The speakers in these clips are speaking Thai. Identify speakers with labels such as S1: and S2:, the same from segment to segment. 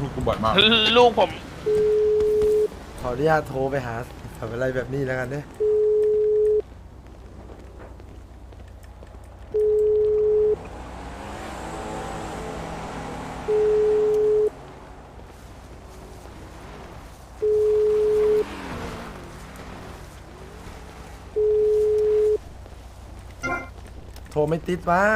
S1: กูบ่อยมาก
S2: ลูกผม
S3: ขออนุญาตโทรไปหาทำอะไรแบบนี้แล้วกันเนี่ยโทรไม่ติดวะ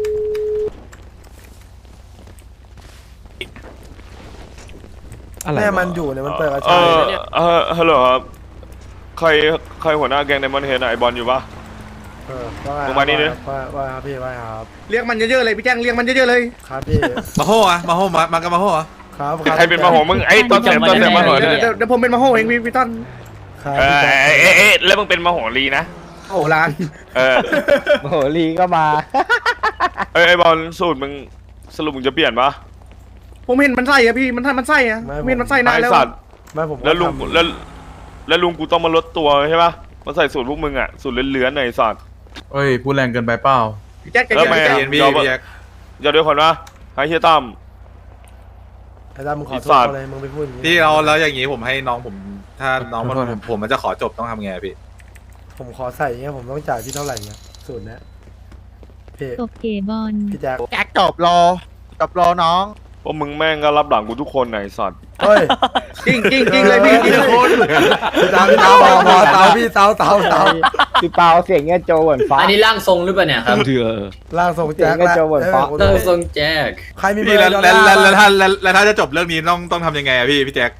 S4: อะไร
S3: แม่
S4: วะ
S3: มันอยู่เนี่ยมันเปิดกระ
S2: เอ
S3: ชาย
S2: ฮัลโหลครับใครหัวหน้าแก๊งไดมอนด์เฮดไอบอลอยู่ปะ
S3: ว่าไง
S2: มึงมานี่ดิ
S3: ว่าครับพี่ว่าครับ
S5: เรียกมันเยอะๆเลยพี่แจ้งเรียกมันเยอะๆเลย
S3: ครับพี่
S6: มาโฮอะมาโฮมากันมาโฮอะ
S3: ครับ
S2: ใครเป็นมาโหมึงไอ้ต้นเสียงมาโห
S5: เดี๋
S2: เนี่ย
S5: ยวผมเป็นมาโฮเองพี่ต้น
S3: ครับ
S2: เอ
S3: พี่
S2: อ
S3: แจ๊ค
S2: แล้วมึงเป็นมาโหรีนะ
S5: โอ้ร้าน
S2: เออ
S4: โอ้โหลีก็มา
S2: ไอบอลสูตรมึงสรุปมึงจะเปลี่ยนปะ
S5: ผมเห็นมันไส้อะพี่มันไส้อะเห็นมันไส้นาน
S2: ไอ
S5: แล้ว
S2: สัตว์
S3: ไม่ผมก็
S2: แล้วลุง
S3: ทำ
S2: แล้วลุงกูต้องมาลดตัวใช่ปะมาใส่สูตรพวกมึงอ่ะสูตรเลื้อนๆไอสัตว์
S1: เอ้ยพูดแรงเกินไปเปล่า
S5: พี่แจ๊ค
S2: แล้วไม่
S6: ใจเย็นพี่พี่แจ็ค
S2: อย่าด้วยคนนะไอ้เฮียตั้ม
S3: ไอ้ดำมึงขอโท
S2: ไอ้สั
S3: ษ
S2: ตว์
S3: อะไรมึงไปพูดอย่างนี้
S6: พี่เราแล้วอย่างนี้ผมให้น้องผม ถ้าน้องผมมันจะขอจบต้องทำไงพี่
S3: ผมขอใส่อย่างเงี้ยผมต้องจ่ายพี่เท่าไหร่เงี้ยสูตรเนี้ยพี่
S7: ตบเก๋บอล
S3: พี่แจ๊ค
S4: แจ็คจบรอน้อง
S2: พวกมึงแม่งก็รับหลังกูทุกคนไอสัตว์
S3: เฮ้ย
S5: จริงเลยพี่จริง
S3: พี่เตาพี่เตาพอเตาพี่เตา
S4: พี่เปาเสียงเงี้ยโจเหมือนฟ้า
S8: อันนี้ร่างทรงหรือเปล่าเนี่ยครับ
S3: ล่างส่งแจ็ค
S4: เสียงกระโจนเหมือนฟ้า
S8: ร่างทรงแจ็ค
S3: ใครมีเบอ
S6: พี่
S3: ร์
S6: แล้ว
S3: ดอล
S6: แล้ว
S3: ลาร์
S6: แล้ว
S3: บ้าง
S6: แล้วถ้าจะจบเรื่องนี้ต้องทำยังไงอะพี่แจ็คว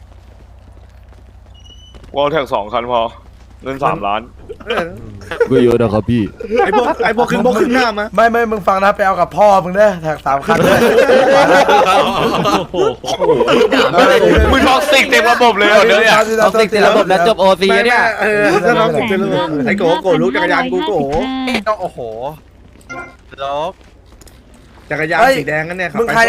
S2: อลแท็ก2 คันพอเงิน3 ล้าน
S4: ก็เยอะนะครับพี่
S5: ไอพวกครึ่งบกครึ่งหน้ามา
S3: ไม่มึงฟังนะไปเอากับพ่อมึงเด้อแท็ก3 คันเลย
S2: มึงท็อกซิกเต็มระบบเลยเหรอเนี่ย
S3: เอาติดระบบแล้วจบ
S4: OC เนี่ย
S5: ถ้าน้องผมจะรู้ไอโกรู้จักรยานกูโก
S4: ต้องโอ้โหลบ
S5: จักรยานสีแดงนั่นเนี่ยครับ
S3: มึงใคร